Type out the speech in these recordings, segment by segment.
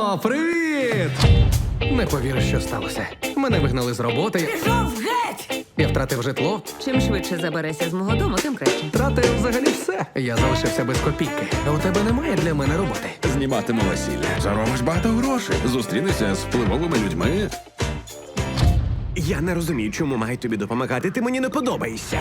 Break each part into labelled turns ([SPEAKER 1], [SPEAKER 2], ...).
[SPEAKER 1] О, привіт! Не повіриш, що сталося. Мене вигнали з роботи.
[SPEAKER 2] Пішов геть!
[SPEAKER 1] Я втратив житло,
[SPEAKER 2] Чим швидше заберешся з мого дому, тим краще.
[SPEAKER 1] втратив взагалі все. Я залишився без копійки. А у тебе немає для мене роботи.
[SPEAKER 3] Зніматиму весілля. Заробиш багато грошей. Зустрінешся з впливовими людьми.
[SPEAKER 4] Я не розумію, чому маю тобі допомагати. Ти мені не подобаєшся.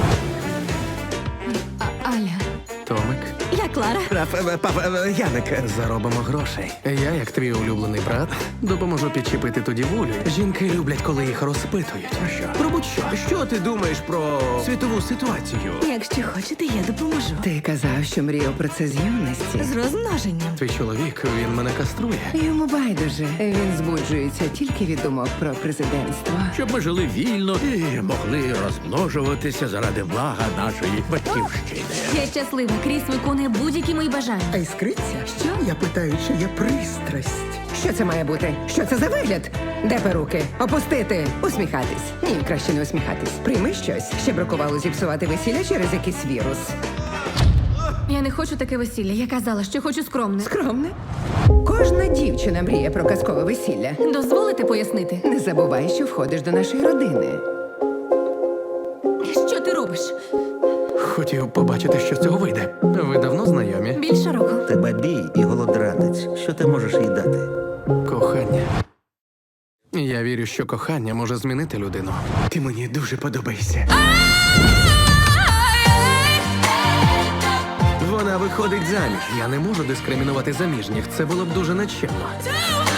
[SPEAKER 2] Аля.
[SPEAKER 1] Томик,
[SPEAKER 2] Я Клара.
[SPEAKER 4] Яник.
[SPEAKER 1] заробимо грошей. Я, як твій улюблений брат, допоможу підчепити ту дівулю. Жінки люблять, коли їх розпитують. Про що? Про будь-що.
[SPEAKER 4] Що ти думаєш про світову ситуацію?
[SPEAKER 2] Якщо хочете, я допоможу.
[SPEAKER 5] Ти казав, що мріяв про це з юності.
[SPEAKER 2] З розмноженням.
[SPEAKER 1] Твій чоловік, він мене каструє.
[SPEAKER 5] Йому байдуже. Він збуджується тільки від думок про президентство.
[SPEAKER 6] Щоб ми жили вільно і могли розмножуватися заради блага нашої батьківщини.
[SPEAKER 2] Я щаслива. Кріс виконує будь-які мої бажання.
[SPEAKER 5] А іскриться?
[SPEAKER 2] Що?
[SPEAKER 5] Я питаю, чи є пристрасть. Що це має бути? Що це за вигляд? Де перуки? Опустити? Усміхатись? Ні, краще не усміхатись. Прийми щось. Ще бракувало зіпсувати весілля через якийсь вірус.
[SPEAKER 2] Я не хочу таке весілля. Я казала, що хочу скромне.
[SPEAKER 5] Скромне. Кожна дівчина мріє про казкове весілля.
[SPEAKER 2] Дозволите пояснити?
[SPEAKER 5] Не забувай, що входиш до нашої родини.
[SPEAKER 2] Що ти робиш?
[SPEAKER 1] Хотів побачити, що з цього вийде. Ви давно знайомі?
[SPEAKER 2] Більше року.
[SPEAKER 7] Тебе бій і голодранець. Що ти можеш їй дати?
[SPEAKER 1] Кохання. Я вірю, що кохання може змінити людину.
[SPEAKER 4] Ти мені дуже подобаєшся. Вона виходить заміж.
[SPEAKER 1] Я не можу дискримінувати заміжніх. Це було б дуже нечемно.